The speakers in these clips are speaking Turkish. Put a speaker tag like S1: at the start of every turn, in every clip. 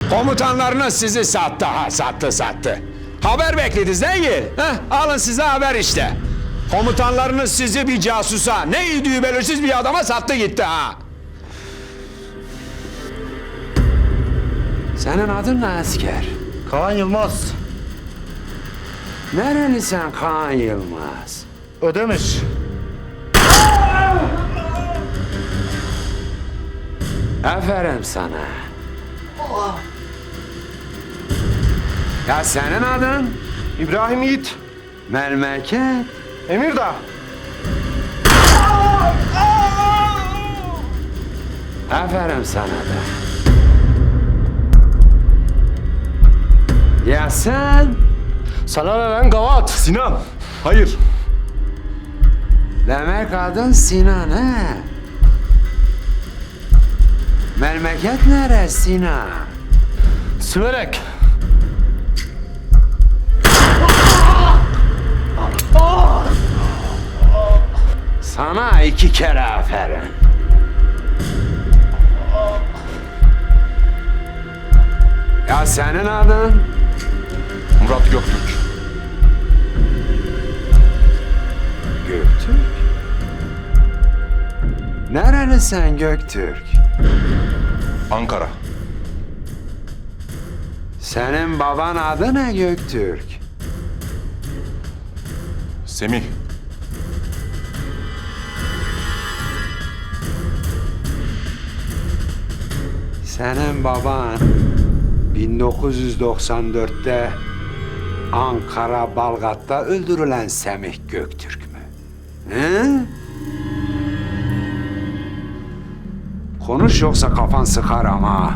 S1: Komutanlarınız sizi sattı ha, sattı. Haber beklediniz değil mi? Alın size haber işte. Komutanlarınız sizi bir casusa, ne idüğü belirsiz bir adama sattı gitti ha. Senin adın ne asker?
S2: Kaan Yılmaz.
S1: Nerelisin Kaan Yılmaz?
S2: Ödemiş.
S1: Aferin sana. Ya senin adın?
S2: İbrahim Yiğit.
S1: Memleket.
S2: Emirdağ.
S1: Aferin sana da. Ya sen?
S2: Sana ne lan gavat? Sinan. Hayır.
S1: Demek adın Sinan he? Memleket nere Sinan?
S2: Süverek.
S1: Sana 2 kere aferin. Ya senin adın?
S2: Murat Göktürk.
S1: Göktürk. Nerelisin Göktürk?
S2: Ankara.
S1: Senin baban adı ne Göktürk?
S2: Semih.
S1: Senin baban 1994'te Ankara Balgat'ta öldürülen Semih Göktürk mü? He? Konuş yoksa kafan sıkar ama.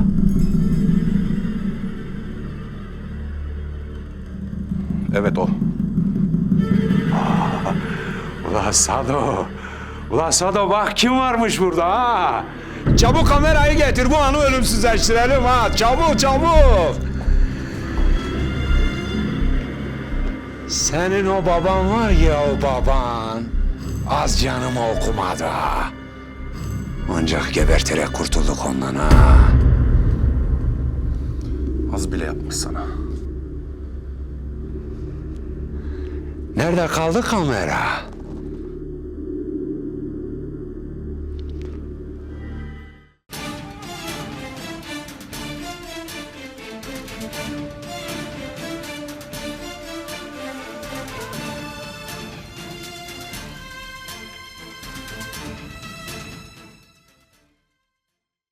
S2: Evet o.
S1: Ula Sado bak kim varmış burada ha? Çabuk kamerayı getir bu anı ölümsüzleştirelim ha. Çabuk. Senin o baban var ya o baban. Az canımı okumadı ha. Ancak geberterek kurtulduk ondan ha.
S2: Az bile yapmış sana.
S1: Nerede kaldı kamera?